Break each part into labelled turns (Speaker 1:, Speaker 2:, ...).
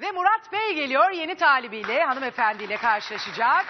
Speaker 1: Ve Murat Bey geliyor yeni talibiyle, hanımefendiyle karşılaşacak.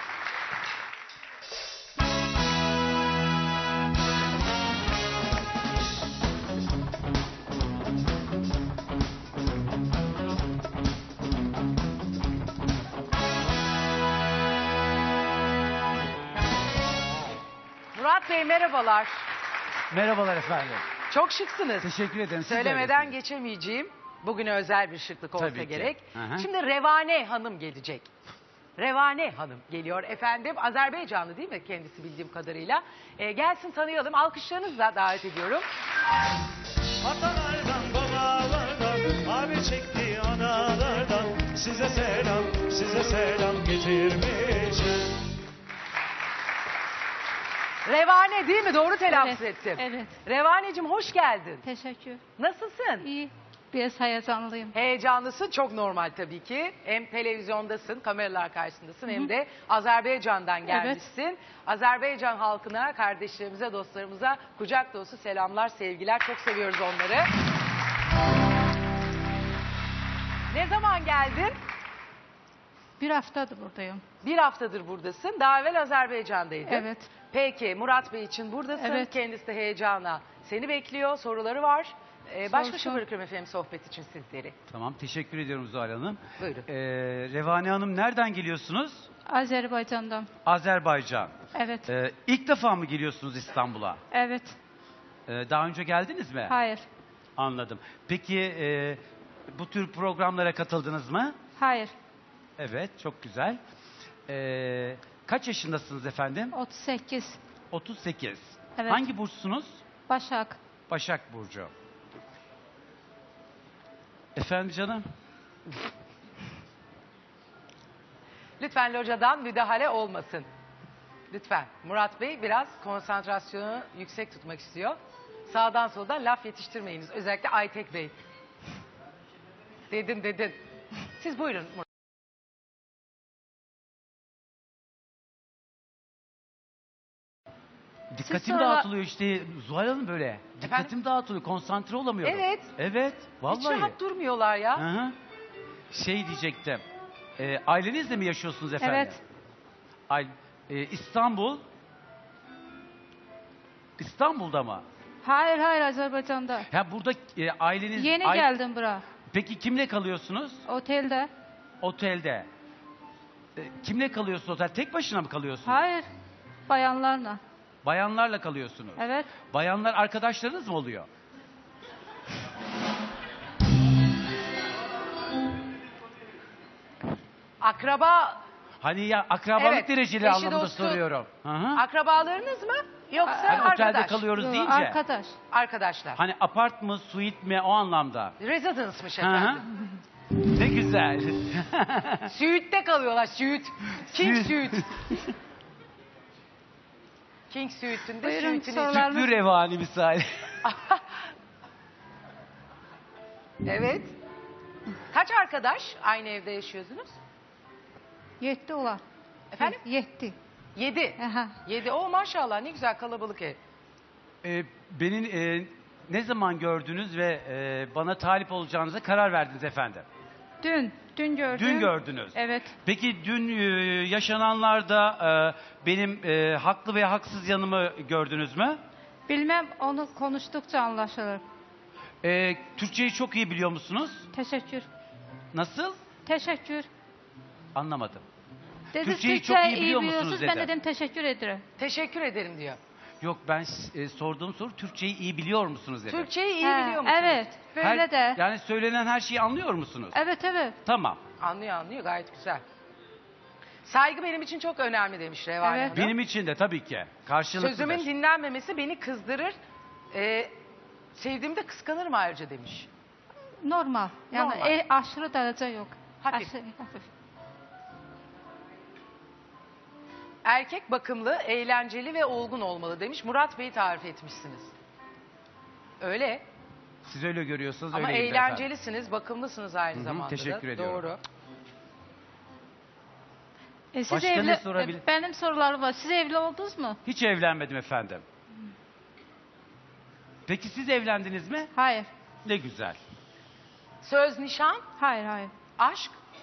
Speaker 1: Murat Bey merhabalar.
Speaker 2: Merhabalar efendim.
Speaker 1: Çok şıksınız.
Speaker 2: Teşekkür ederim. Siz de
Speaker 1: Söylemeden
Speaker 2: öylesiniz.
Speaker 1: geçemeyeceğim. Bugüne özel bir şıklık olsa
Speaker 2: Tabii ki.
Speaker 1: gerek.
Speaker 2: Hı hı.
Speaker 1: Şimdi Revane Hanım gelecek. Revane Hanım geliyor efendim. Azerbaycanlı değil mi kendisi bildiğim kadarıyla? Gelsin tanıyalım. Alkışlarınızla davet ediyorum.
Speaker 3: Atalardan, babalardan, abi çekti analardan, size selam getirmişim.
Speaker 1: Revane değil mi? Doğru telaffuz ettim.
Speaker 4: Evet.
Speaker 1: Revaneciğim hoş geldin.
Speaker 4: Teşekkür.
Speaker 1: Nasılsın?
Speaker 4: İyi. Biraz heyecanlıyım.
Speaker 1: Heyecanlısın, çok normal tabii ki. Hem televizyondasın, kameralar karşısındasın hem de Azerbaycan'dan gelmişsin. Azerbaycan halkına, kardeşlerimize, dostlarımıza kucak dolusu selamlar, sevgiler. Çok seviyoruz onları. Ne zaman geldin?
Speaker 4: Bir haftadır buradayım.
Speaker 1: Bir haftadır buradasın. Daha evvel Azerbaycan'daydın.
Speaker 4: Evet.
Speaker 1: Peki Murat Bey için buradasın.
Speaker 4: Evet.
Speaker 1: Kendisi de heyecana seni bekliyor. Soruları var. Baş başa
Speaker 4: Sorsun.
Speaker 1: bırakıyorum efendim sohbet için sizleri.
Speaker 2: Tamam, teşekkür ediyorum Zuhal Hanım.
Speaker 1: Buyurun.
Speaker 2: Revane Hanım nereden geliyorsunuz?
Speaker 4: Azerbaycan'dan.
Speaker 2: Azerbaycan.
Speaker 4: Evet.
Speaker 2: İlk defa mı geliyorsunuz İstanbul'a?
Speaker 4: Evet.
Speaker 2: Daha önce geldiniz mi?
Speaker 4: Hayır.
Speaker 2: Anladım. Peki bu tür programlara katıldınız mı?
Speaker 4: Hayır.
Speaker 2: Evet, çok güzel. Kaç yaşındasınız efendim?
Speaker 4: 38.
Speaker 2: 38.
Speaker 4: Evet.
Speaker 2: Hangi burçsunuz?
Speaker 4: Başak.
Speaker 2: Başak Burcu. Efendim canım?
Speaker 1: Lütfen locadan müdahale olmasın. Lütfen. Murat Bey biraz konsantrasyonu yüksek tutmak istiyor. Sağdan soldan laf yetiştirmeyiniz. Özellikle Aytek Bey. Dedin. Siz buyurun Murat.
Speaker 2: Dikkatim
Speaker 4: sonra-
Speaker 2: dağıtılıyor işte Zuhal Hanım böyle. Dikkatim dağıtılıyor, konsantre olamıyorum.
Speaker 1: Evet.
Speaker 2: Evet, vallahi.
Speaker 1: Hiç rahat durmuyorlar ya.
Speaker 2: Hı hı. Şey diyecektim. Ailenizle mi yaşıyorsunuz efendim?
Speaker 4: Evet.
Speaker 2: İstanbul. İstanbul'da mı?
Speaker 4: Hayır Azerbaycan'da.
Speaker 2: Ha burada aileniz...
Speaker 4: Yeni geldim buraya.
Speaker 2: Peki kimle kalıyorsunuz?
Speaker 4: Otelde.
Speaker 2: Otelde. Kimle kalıyorsunuz otel? Tek başına mı kalıyorsunuz?
Speaker 4: Hayır. Bayanlarla.
Speaker 2: Bayanlarla kalıyorsunuz.
Speaker 4: Evet.
Speaker 2: Bayanlar arkadaşlarınız mı oluyor?
Speaker 1: Akraba,
Speaker 2: Hani ya akrabalık
Speaker 1: Evet,
Speaker 2: dereceli
Speaker 1: eşi,
Speaker 2: anlamında
Speaker 1: dostu.
Speaker 2: soruyorum. Hı hı.
Speaker 1: akrabalarınız mı? Yoksa
Speaker 2: Hani otelde
Speaker 1: arkadaş?
Speaker 2: kalıyoruz
Speaker 4: Yo,
Speaker 2: deyince.
Speaker 4: arkadaş.
Speaker 1: Arkadaşlar.
Speaker 2: Hani apart mı, suite mi o anlamda.
Speaker 1: Residence'mış
Speaker 2: Hı hı.
Speaker 1: efendim.
Speaker 2: Ne güzel.
Speaker 1: Suite'de kalıyorlar. Suite. King
Speaker 2: Suite.
Speaker 1: Suite. King Suite'ünde
Speaker 4: Buyurun,
Speaker 1: suite'iniz.
Speaker 4: sorular-
Speaker 2: Tüplü revani misali.
Speaker 1: Evet. Kaç arkadaş aynı evde yaşıyorsunuz?
Speaker 4: 7 olan.
Speaker 1: Efendim?
Speaker 4: 7.
Speaker 1: 7.
Speaker 4: Aha.
Speaker 1: 7. O maşallah ne güzel kalabalık ev.
Speaker 2: Beni ne zaman gördünüz ve bana talip olacağınıza karar verdiniz efendim?
Speaker 4: Dün gördüm.
Speaker 2: Dün gördünüz.
Speaker 4: Evet.
Speaker 2: Peki dün yaşananlarda benim haklı ve haksız yanımı gördünüz mü?
Speaker 4: Bilmem, onu konuştukça anlaşılır.
Speaker 2: Türkçeyi çok iyi biliyor musunuz?
Speaker 4: Teşekkür.
Speaker 2: Nasıl?
Speaker 4: Teşekkür.
Speaker 2: Anlamadım.
Speaker 4: Dedi,
Speaker 2: Türkçeyi çok iyi biliyor musunuz
Speaker 4: biliyorsunuz.
Speaker 2: dedi.
Speaker 4: Ben dedim teşekkür ederim.
Speaker 1: Teşekkür ederim diyor.
Speaker 2: Yok ben sorduğum soru Türkçeyi iyi biliyor musunuz dedi.
Speaker 1: Türkçeyi iyi
Speaker 4: He,
Speaker 1: biliyor musunuz?
Speaker 4: Evet. Böyle de.
Speaker 2: Yani söylenen her şeyi anlıyor musunuz?
Speaker 4: Evet.
Speaker 2: Tamam.
Speaker 1: Anlıyor gayet güzel. Saygı benim için çok önemli demiş Revane
Speaker 4: Evet.
Speaker 1: Hanım.
Speaker 2: Benim için de tabii ki. Karşılıklıdır.
Speaker 1: Sözümün dinlenmemesi beni kızdırır. Sevdiğimde kıskanırım ayrıca demiş.
Speaker 4: Normal. Yani
Speaker 1: Normal.
Speaker 4: aşırı derece yok.
Speaker 1: Hafif.
Speaker 4: Hafif.
Speaker 1: Erkek bakımlı, eğlenceli ve olgun olmalı demiş. Murat Bey'i tarif etmişsiniz. Öyle.
Speaker 2: Siz öyle görüyorsunuz
Speaker 1: Ama
Speaker 2: öyleyim de efendim.
Speaker 1: eğlencelisiniz, bakımlısınız aynı
Speaker 2: Hı hı,
Speaker 1: zamanda da.
Speaker 2: teşekkür ediyorum.
Speaker 1: Doğru.
Speaker 4: Siz
Speaker 2: Başka ne sorabilir-
Speaker 4: Benim sorularım var. Siz evli oldunuz mu?
Speaker 2: Hiç evlenmedim efendim. Peki siz evlendiniz mi?
Speaker 4: Hayır.
Speaker 2: Ne güzel.
Speaker 1: Söz, nişan,
Speaker 4: Hayır.
Speaker 1: aşk.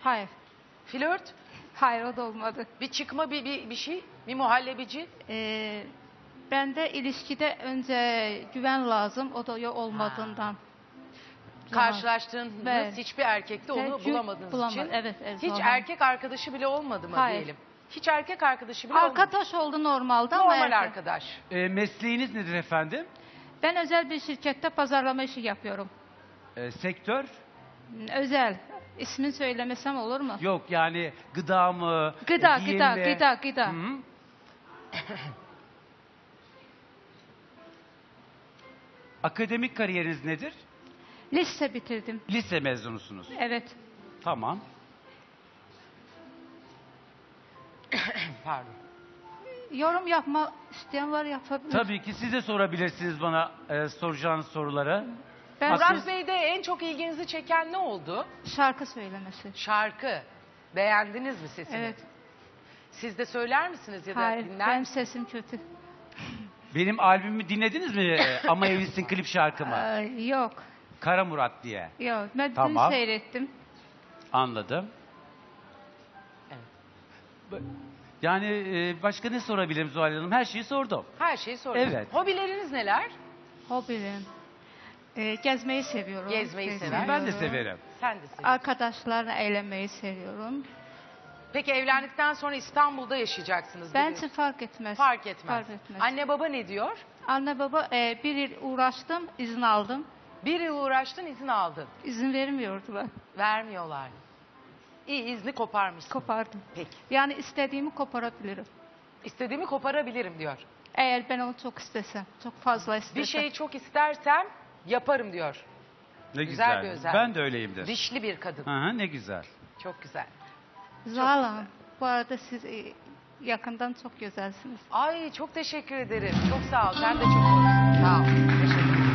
Speaker 4: Hayır.
Speaker 1: Flört?
Speaker 4: Hayır, o da olmadı.
Speaker 1: Bir çıkma bir şey? Bir muhallebici?
Speaker 4: Bende ilişkide önce güven lazım. O da yok olmadığından.
Speaker 1: Karşılaştığınız
Speaker 4: Evet.
Speaker 1: hiçbir erkekte onu
Speaker 4: Çünkü
Speaker 1: bulamadığınız
Speaker 4: bulamadım.
Speaker 1: için.
Speaker 4: Evet,
Speaker 1: Hiç
Speaker 4: normal.
Speaker 1: erkek arkadaşı bile olmadı mı
Speaker 4: Hayır.
Speaker 1: diyelim? Hiç erkek arkadaşı bile olmadı.
Speaker 4: Arkadaş oldu normalde ama
Speaker 1: Normal
Speaker 4: erkek.
Speaker 1: arkadaş.
Speaker 2: Mesleğiniz nedir efendim?
Speaker 4: Ben özel bir şirkette pazarlama işi yapıyorum.
Speaker 2: Sektör?
Speaker 4: Özel. İsmini söylemesem olur mu?
Speaker 2: Yok yani gıda mı?
Speaker 4: Gıda,
Speaker 2: giyim
Speaker 4: gıda,
Speaker 2: mi?
Speaker 4: gıda, gıda.
Speaker 2: Hı. Akademik kariyeriniz nedir?
Speaker 4: Lise bitirdim.
Speaker 2: Lise mezunusunuz.
Speaker 4: Evet.
Speaker 2: Tamam.
Speaker 1: Pardon.
Speaker 4: Yorum yapma isteyen var, yapabilir.
Speaker 2: Tabii ki siz de sorabilirsiniz bana soracağınız soruları.
Speaker 4: Ben
Speaker 1: Murat Bey'de en çok ilginizi çeken ne oldu?
Speaker 4: şarkı söylemesi.
Speaker 1: Şarkı. Beğendiniz mi sesini?
Speaker 4: Evet.
Speaker 1: Siz de söyler misiniz ya da
Speaker 4: Hayır,
Speaker 1: dinler
Speaker 4: benim
Speaker 1: misiniz?
Speaker 4: sesim kötü.
Speaker 2: Benim albümümü dinlediniz mi? Ama Evlisin klip şarkımı.
Speaker 4: Yok,
Speaker 2: Kara Murat diye.
Speaker 4: yok. Ben
Speaker 2: Tamam.
Speaker 4: dün seyrettim.
Speaker 2: Anladım.
Speaker 1: Evet.
Speaker 2: Yani başka ne sorabilirim Zuhal Hanım? Her şeyi sordum.
Speaker 1: Her şeyi soruyorum.
Speaker 2: Evet.
Speaker 1: Hobileriniz neler?
Speaker 4: Hobim. Gezmeyi seviyorum.
Speaker 1: Gezmeyi sever.
Speaker 2: Ben de severim.
Speaker 1: Sen de seviyorsun.
Speaker 4: Arkadaşlarla eğlenmeyi seviyorum.
Speaker 1: Peki evlendikten sonra İstanbul'da yaşayacaksınız.
Speaker 4: Ben
Speaker 1: biliyorsun.
Speaker 4: için fark etmez.
Speaker 1: Fark etmez.
Speaker 4: Fark etmez.
Speaker 1: Anne baba ne diyor?
Speaker 4: Anne baba bir yıl uğraştım, izin aldım.
Speaker 1: Bir yıl uğraştın, izin aldın.
Speaker 4: İzin vermiyordular.
Speaker 1: Vermiyorlar. İyi, izni koparmışsın.
Speaker 4: Kopardım.
Speaker 1: Peki.
Speaker 4: Yani istediğimi koparabilirim.
Speaker 1: İstediğimi koparabilirim diyor.
Speaker 4: Eğer ben onu çok istesem, çok fazla istesem.
Speaker 1: Bir şeyi çok istersem yaparım diyor.
Speaker 2: Ne
Speaker 1: Güzel
Speaker 2: güzel.
Speaker 1: bir özellik.
Speaker 2: Ben de öyleyimdir.
Speaker 1: Dişli bir kadın.
Speaker 2: Hı hı, ne güzel.
Speaker 1: Çok güzel.
Speaker 4: Zuhal Hanım, bu arada siz yakından çok güzelsiniz.
Speaker 1: Ay çok teşekkür ederim. Çok sağ ol. Sen de çok hoşsun. Sağ ol. Teşekkür ederim.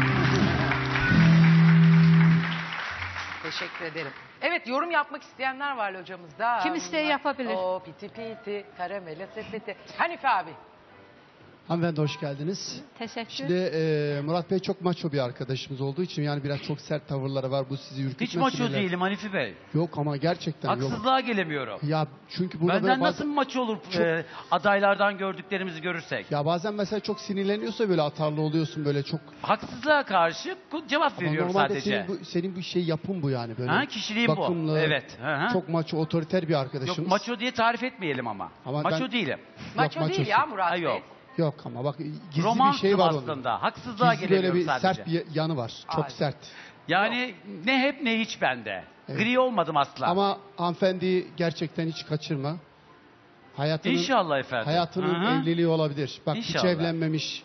Speaker 1: Teşekkür ederim. Evet, yorum yapmak isteyenler var hocamızda.
Speaker 4: Kim isteği yapabilir.
Speaker 1: O piti piti, karamele sepeti. Hanife abi.
Speaker 5: Hanımefendi hoş geldiniz.
Speaker 4: Teşekkür.
Speaker 5: Şimdi Murat Bey çok maço bir arkadaşımız olduğu için yani biraz çok sert tavırları var. Bu sizi ürkütmesin.
Speaker 2: Hiç maço
Speaker 5: öyle.
Speaker 2: değilim Hanifi Bey.
Speaker 5: Yok ama gerçekten yok.
Speaker 2: Haksızlığa gelemiyorum.
Speaker 5: Ya çünkü burada
Speaker 2: Benden
Speaker 5: böyle
Speaker 2: nasıl
Speaker 5: bazen,
Speaker 2: maço olur adaylardan gördüklerimizi görürsek?
Speaker 5: ya bazen mesela çok sinirleniyorsa böyle atarlı oluyorsun böyle çok.
Speaker 2: Haksızlığa karşı cevap
Speaker 5: Ama
Speaker 2: veriyorum
Speaker 5: normalde
Speaker 2: sadece.
Speaker 5: senin bu şey yapın bu yani böyle.
Speaker 2: Ha, kişiliğim bu.
Speaker 5: bakımlı,
Speaker 2: Evet. Hı hı.
Speaker 5: Çok maço otoriter bir arkadaşımız.
Speaker 2: Yok maço diye tarif etmeyelim ama.
Speaker 5: Ama
Speaker 2: Maço
Speaker 5: ben-
Speaker 2: değilim.
Speaker 1: Maço değil
Speaker 5: maçosun.
Speaker 1: ya Murat
Speaker 2: Ha,
Speaker 1: Bey.
Speaker 2: yok.
Speaker 5: Yok ama bak gizli
Speaker 2: Romansım
Speaker 5: bir şey var onun.
Speaker 2: aslında. Haksızlığa
Speaker 5: Gizli böyle
Speaker 2: gelemiyorum
Speaker 5: bir
Speaker 2: sadece.
Speaker 5: sert bir yanı var. Çok
Speaker 1: Ay.
Speaker 5: sert.
Speaker 2: Yani ne hep ne hiç bende.
Speaker 5: Evet.
Speaker 2: Gri olmadım asla.
Speaker 5: Ama hanımefendiyi gerçekten hiç kaçırma. Hayatının
Speaker 2: İnşallah efendim.
Speaker 5: Hayatının
Speaker 2: Hı hı.
Speaker 5: evliliği olabilir. Bak hiç
Speaker 2: İnşallah.
Speaker 5: evlenmemiş.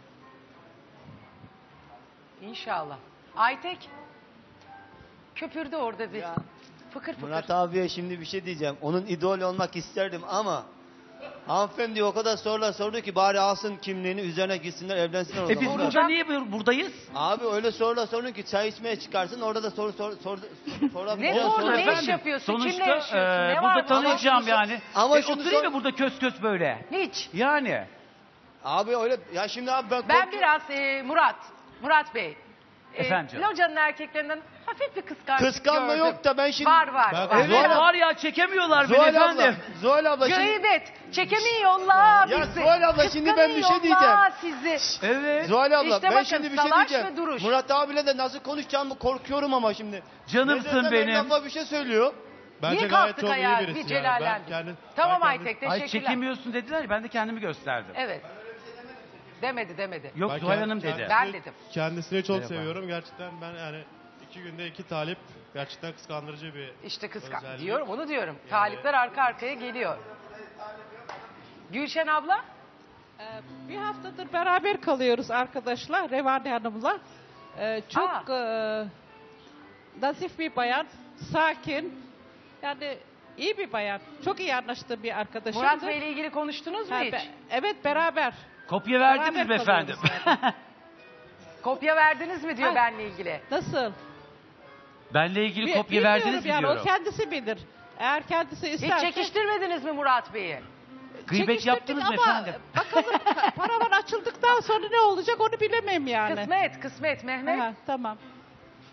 Speaker 1: İnşallah. Aytek. Köpürdü orada bir. Fıkır fıkır.
Speaker 6: Murat abiye şimdi bir şey diyeceğim. Onun idol olmak isterdim ama hanımefendi o kadar sorular sordu ki bari alsın kimliğini üzerine gitsinler evlensinler o
Speaker 2: Biz
Speaker 6: zaman.
Speaker 2: burada niye buradayız?
Speaker 6: Abi öyle sorular sorun ki çay içmeye çıkarsın orada da
Speaker 1: Ne
Speaker 6: sorabileceğin
Speaker 1: sordun?
Speaker 6: sorular-
Speaker 1: Ne iş
Speaker 2: Efendim,
Speaker 1: yapıyorsun? Kimle
Speaker 2: sonuçta
Speaker 1: yaşıyorsun? Ne
Speaker 2: burada
Speaker 1: var?
Speaker 2: tanıyacağım
Speaker 6: şunu-
Speaker 2: yani.
Speaker 6: ama şunu
Speaker 2: oturayım
Speaker 6: sor-
Speaker 2: mı burada kös kös böyle?
Speaker 1: Hiç.
Speaker 2: Yani.
Speaker 6: Abi öyle ya şimdi abi ben
Speaker 1: Ben biraz Murat Bey.
Speaker 2: Efendim canım.
Speaker 1: Locanın erkeklerinden hafif bir kıskançlık
Speaker 6: kıskanma
Speaker 1: gördüm.
Speaker 6: yok da ben şimdi
Speaker 1: Var var.
Speaker 3: Ben-
Speaker 1: var.
Speaker 2: Evet
Speaker 6: Zuhal-
Speaker 2: var ya çekemiyorlar beni
Speaker 6: Zuhal abla,
Speaker 2: efendim.
Speaker 6: Zuhal abla şimdi
Speaker 1: Gıybet. Çekemiyorlar
Speaker 6: Ya
Speaker 1: bizi.
Speaker 6: Zuhal abla, şimdi ben bir şey
Speaker 1: Kıskanıyorlar sizi.
Speaker 2: Evet.
Speaker 6: Zuhal abla
Speaker 1: İşte
Speaker 6: ben
Speaker 1: bakın,
Speaker 6: şimdi bir şey
Speaker 1: salaş
Speaker 6: diyeceğim.
Speaker 1: ve duruş.
Speaker 6: Murat abiyle de nasıl konuşacağımı korkuyorum ama şimdi.
Speaker 2: Canımsın
Speaker 6: Ne desem
Speaker 2: benim.
Speaker 6: en lafa bir şey söylüyor.
Speaker 3: Bence
Speaker 1: Niye
Speaker 3: gayet
Speaker 1: kalktık
Speaker 3: çok
Speaker 1: ayağa?
Speaker 3: iyi birisi
Speaker 1: Bir
Speaker 3: yani. Ben
Speaker 1: celallendik.
Speaker 3: kendim-
Speaker 1: Tamam
Speaker 3: ben kendim-
Speaker 1: Aytek,
Speaker 2: Ay
Speaker 1: teşekkürler.
Speaker 2: çekemiyorsun dediler ya ben de kendimi gösterdim.
Speaker 1: Evet. Demedi.
Speaker 2: Yok
Speaker 3: Ben
Speaker 2: Zuhal
Speaker 3: kend-
Speaker 2: Hanım dedi.
Speaker 3: kendisini-
Speaker 1: Ben dedim.
Speaker 3: Kendisini çok
Speaker 2: Merhaba.
Speaker 3: seviyorum. Gerçekten ben yani 2 günde 2 talip gerçekten kıskandırıcı bir
Speaker 1: İşte kıskan.
Speaker 3: özellik.
Speaker 1: Diyorum onu diyorum. Talipler arka arkaya geliyor. Gülşen abla.
Speaker 7: Bir haftadır beraber kalıyoruz arkadaşlar Revani Hanım'la. Çok nazif bir bayan, sakin. Yani iyi bir bayan. Çok iyi anlaştığım bir arkadaşımdır.
Speaker 1: Murat Bey ile ilgili konuştunuz mu
Speaker 7: Ha,
Speaker 1: hiç?
Speaker 7: evet beraber.
Speaker 2: Kopya verdiniz
Speaker 7: Beraber
Speaker 2: mi efendim?
Speaker 7: kalıyoruz
Speaker 1: Kopya verdiniz mi diyor
Speaker 7: Ha.
Speaker 1: benle ilgili.
Speaker 7: Nasıl?
Speaker 2: Benle ilgili kopya
Speaker 7: Bilmiyorum
Speaker 2: verdiniz mi
Speaker 7: yani,
Speaker 2: diyorum.
Speaker 7: o kendisi bilir. Eğer kendisi
Speaker 1: Hiç
Speaker 7: isterse...
Speaker 1: çekiştirmediniz mi Murat Bey'i?
Speaker 2: Gıybet
Speaker 7: çekiştirdik
Speaker 2: yaptınız mı
Speaker 7: ama
Speaker 2: efendim?
Speaker 7: bakalım paravan açıldıktan sonra ne olacak onu bilemem yani.
Speaker 1: Kısmet Mehmet.
Speaker 7: Ha, tamam.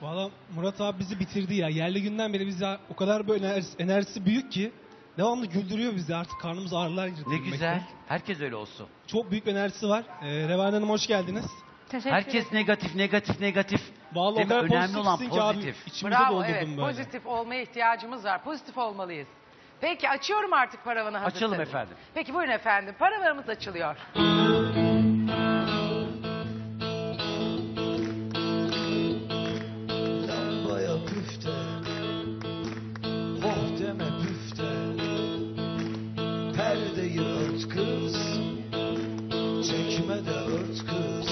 Speaker 8: Valla Murat abi bizi bitirdi ya. Yerli günden beri bize o kadar böyle enerjisi büyük ki devamlı güldürüyor bizi. Artık karnımız ağrılar girdi.
Speaker 2: Ne
Speaker 8: gülmekten.
Speaker 2: güzel. Herkes öyle olsun.
Speaker 8: Çok büyük bir enerjisi var. Revan Hanım hoş geldiniz.
Speaker 4: Teşekkür
Speaker 2: Herkes
Speaker 4: ederim.
Speaker 2: negatif, negatif, negatif.
Speaker 8: Vallahi
Speaker 2: Değil
Speaker 8: o
Speaker 2: mi?
Speaker 8: kadar
Speaker 2: Önemli olan
Speaker 8: pozitifsin ki abi.
Speaker 2: pozitif.
Speaker 8: İçimize
Speaker 1: Bravo,
Speaker 8: doldurdum
Speaker 1: evet.
Speaker 8: böyle.
Speaker 1: Pozitif olmaya ihtiyacımız var. Pozitif olmalıyız. Peki açıyorum artık paravanı hazırsanız.
Speaker 2: Açalım efendim.
Speaker 1: Peki buyurun efendim. Paravanımız açılıyor.
Speaker 9: Lambaya püfte, oh deme püfte. Perdeyi ört kız, çekme de ört kız.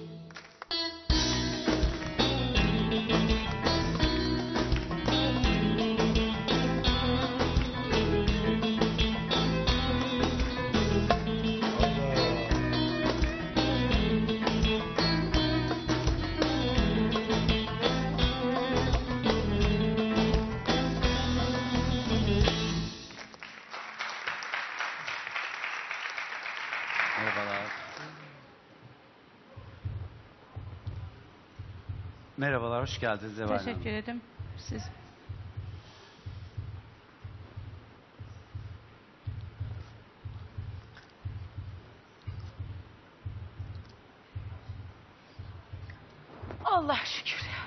Speaker 2: Merhabalar. Merhabalar, hoş geldiniz Zeval Hanım.
Speaker 4: Teşekkür ederim. Siz.
Speaker 1: Allah şükür ya.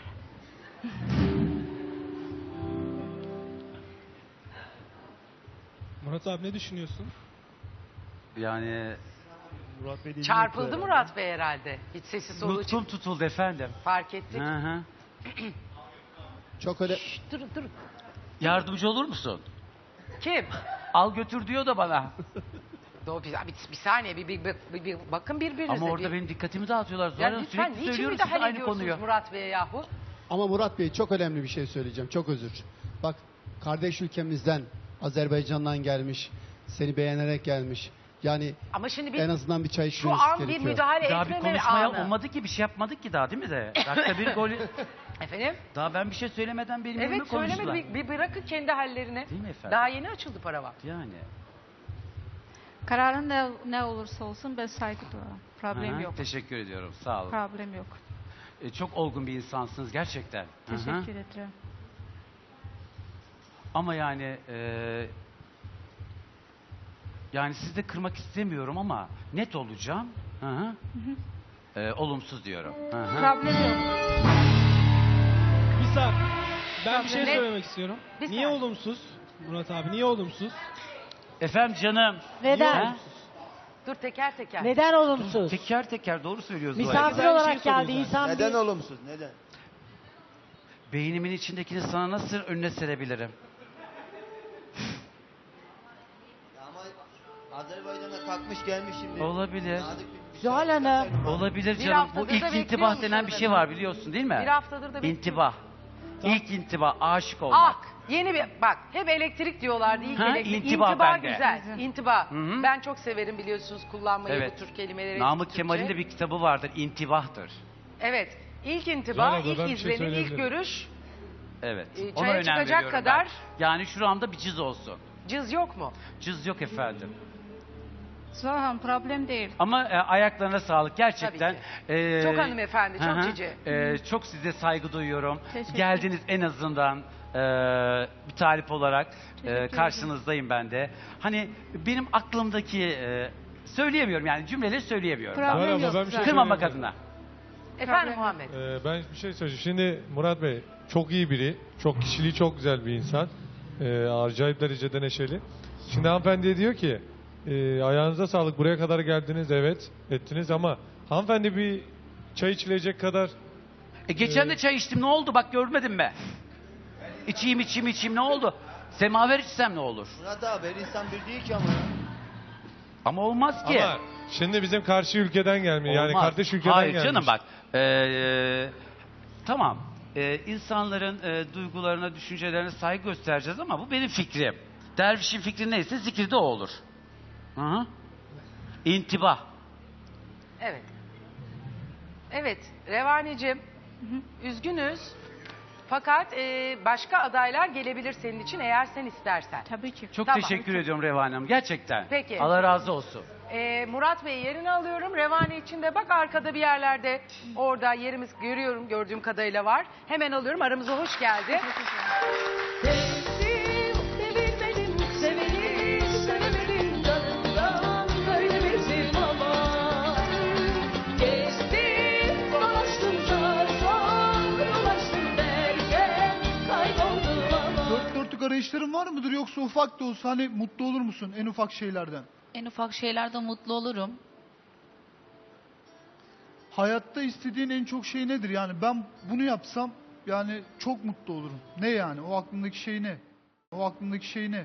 Speaker 8: Murat abi ne düşünüyorsun?
Speaker 2: Yani
Speaker 3: Murat Bey dinliyor
Speaker 1: Çarpıldı
Speaker 3: herhalde.
Speaker 1: Murat Bey herhalde. Hiç sesi soluğu
Speaker 2: nutkum tutuldu efendim.
Speaker 1: fark ettik.
Speaker 2: Hı hı.
Speaker 5: Çok öyle
Speaker 1: Durun durun.
Speaker 2: Yardımcı olur musun?
Speaker 1: Kim?
Speaker 2: Al götür diyor da bana.
Speaker 1: Bir saniye bir bakın birbirinize.
Speaker 2: Ama orada
Speaker 1: bir.
Speaker 2: benim dikkatimi dağıtıyorlar. Zuhal
Speaker 1: Ya
Speaker 2: Hanım
Speaker 1: lütfen
Speaker 2: sürekli
Speaker 1: niçin
Speaker 2: söylüyoruz size
Speaker 1: müdahale
Speaker 2: aynı
Speaker 1: ediyorsunuz
Speaker 2: konuyu.
Speaker 1: Murat Bey'e yahu?
Speaker 5: ama Murat Bey çok önemli bir şey söyleyeceğim. Çok özür. Bak kardeş ülkemizden Azerbaycan'dan gelmiş. Seni beğenerek gelmiş. Yani
Speaker 1: Ama şimdi
Speaker 5: en azından bir çay
Speaker 1: şu
Speaker 5: içmeniz
Speaker 1: an bir
Speaker 5: gerekiyor.
Speaker 1: müdahale
Speaker 2: Daha bir
Speaker 1: etmeme
Speaker 2: konuşmaya
Speaker 1: anı.
Speaker 2: olmadı ki bir şey yapmadık ki daha değil mi de? Dakika bir gol.
Speaker 1: Efendim?
Speaker 2: Daha ben bir şey söylemeden benim
Speaker 1: Evet
Speaker 2: önüme konuştular.
Speaker 1: söylemedi. Bir bırakın kendi hallerini.
Speaker 2: Değil mi efendim?
Speaker 1: Daha yeni açıldı paravan.
Speaker 2: Yani.
Speaker 4: Kararın ne olursa olsun ben saygı duyarım. Problem
Speaker 2: Hı hı,
Speaker 4: yok.
Speaker 2: Teşekkür ediyorum. Sağ olun.
Speaker 4: Problem yok.
Speaker 2: Çok olgun bir insansınız gerçekten. Hı hı.
Speaker 4: Teşekkür ederim.
Speaker 2: Ama yani yani sizi de kırmak istemiyorum ama net olacağım. Hı hı. Olumsuz diyorum. Hı hı.
Speaker 4: Problem yok.
Speaker 8: Bir saat. Ben bir şey
Speaker 1: Ne?
Speaker 8: söylemek istiyorum.
Speaker 1: Bir
Speaker 8: Niye
Speaker 1: saniye.
Speaker 8: olumsuz? Murat abi niye olumsuz?
Speaker 2: Efendim canım.
Speaker 10: Neden?
Speaker 2: Ha?
Speaker 1: Dur teker teker.
Speaker 10: Neden olumsuz?
Speaker 2: Teker teker doğru söylüyorsun. Zuhal.
Speaker 10: Misafir
Speaker 8: Güzel bir şey
Speaker 10: olarak geldi
Speaker 8: sorayım
Speaker 10: insan
Speaker 6: Neden
Speaker 10: bir...
Speaker 6: olumsuz? Neden?
Speaker 2: Beynimin içindekini sana nasıl önüne serebilirim?
Speaker 6: Ama Azerbaycan'a kalkmış gelmiş şimdi.
Speaker 2: Olabilir.
Speaker 6: Nazik bir
Speaker 10: Zuhal
Speaker 6: şey.
Speaker 10: Hanım.
Speaker 2: Olabilir
Speaker 1: Bir
Speaker 2: canım.
Speaker 1: haftadır
Speaker 2: Bu
Speaker 1: da
Speaker 2: ilk
Speaker 1: bekliyormuş
Speaker 2: intibah denen bir şey var
Speaker 1: hanımefendi.
Speaker 2: biliyorsun değil mi?
Speaker 1: Bir haftadır da bekliyorum.
Speaker 2: İntibah. İlk intibah, aşık olmak.
Speaker 1: Ah yeni bir bak hep elektrik diyorlardı ilk
Speaker 2: Ha,
Speaker 1: elektrik.
Speaker 2: intibah bende.
Speaker 1: güzel. İntibah.
Speaker 2: Hı hı.
Speaker 1: Ben çok severim biliyorsunuz kullanmayı
Speaker 2: Evet.
Speaker 1: bu tür kelimeleri.
Speaker 2: Namık
Speaker 1: Türkçe.
Speaker 2: Kemal'in de bir kitabı vardır. İntibahtır.
Speaker 1: Evet. İlk intibah,
Speaker 3: Zuhal abla,
Speaker 1: ilk
Speaker 3: ben bir şey
Speaker 1: izlenim, ilk
Speaker 3: söyleyebilirim.
Speaker 1: görüş.
Speaker 2: Evet.
Speaker 1: Çaya
Speaker 2: Ona önem
Speaker 1: çıkacak
Speaker 2: veriyorum
Speaker 1: kadar-
Speaker 2: ben. Yani şuramda bir cız olsun.
Speaker 1: Cız yok mu?
Speaker 2: Cız yok efendim.
Speaker 4: Zahan problem değil.
Speaker 2: Ama ayaklarına sağlık gerçekten.
Speaker 1: Tabii Çok hanımefendi, çok
Speaker 2: hı hı.
Speaker 1: cici.
Speaker 2: Çok size saygı duyuyorum.
Speaker 4: Teşekkür
Speaker 2: Geldiniz en azından bir talip olarak
Speaker 4: ederim.
Speaker 2: karşınızdayım ben de. Hani benim aklımdaki söyleyemiyorum yani cümleleri söyleyemiyorum.
Speaker 4: Problem
Speaker 3: Zuhal abla,
Speaker 4: yok.
Speaker 3: ben bir şey
Speaker 2: Kırmamak
Speaker 3: söyleyeyim mi?
Speaker 2: adına.
Speaker 1: Efendim
Speaker 4: Problem
Speaker 1: Muhammed.
Speaker 3: Ben bir şey söyleyeceğim. Şimdi Murat Bey çok iyi biri. Çok kişiliği çok güzel bir insan. Acayip derecede neşeli. Şimdi hanımefendi diyor ki ayağınıza sağlık buraya kadar geldiniz evet ettiniz ama hanımefendi bir çay içilecek kadar
Speaker 2: Geçen de çay içtim ne oldu bak görmedin mi? İçeyim ne oldu? Semaver içsem ne olur?
Speaker 6: Murat abi her insan bir değil ki ama. ya.
Speaker 2: Ama olmaz ki.
Speaker 3: ama şimdi bizim karşı ülkeden gelmiyor. Yani
Speaker 2: Olmaz.
Speaker 3: kardeş ülkeden
Speaker 2: Hayır
Speaker 3: gelmiş.
Speaker 2: canım bak. Tamam. İnsanların duygularına, düşüncelerine saygı göstereceğiz ama bu benim fikrim. Dervişin fikri neyse zikri de o olur. Hı hı. İntibah.
Speaker 1: Evet. Evet Revaneciğim. Üzgünüz. Fakat başka adaylar gelebilir senin için eğer sen istersen.
Speaker 4: Tabii ki.
Speaker 2: Çok
Speaker 1: Tamam.
Speaker 2: teşekkür ediyorum Revan Hanım. Gerçekten.
Speaker 1: Peki.
Speaker 2: Allah razı olsun.
Speaker 1: Murat Bey yerini alıyorum. Revani için de bak arkada bir yerlerde orada yerimiz görüyorum, gördüğüm kadarıyla var. Hemen alıyorum. Aramıza hoş geldi. Sevdim, sevilmedim, seveni sevemedim canımdan böyle bizim ama. Gezdim, dolaştım da çok dolaştım derken kayboldum ama.
Speaker 10: Dört dörtlük arayışların var mıdır yoksa ufak da olsa hani mutlu olur musun en ufak şeylerden?
Speaker 11: En ufak şeylerden mutlu olurum.
Speaker 10: Hayatta istediğin en çok şey nedir? Yani ben bunu yapsam yani çok mutlu olurum. Ne yani? O aklındaki şey ne? O aklındaki şey ne?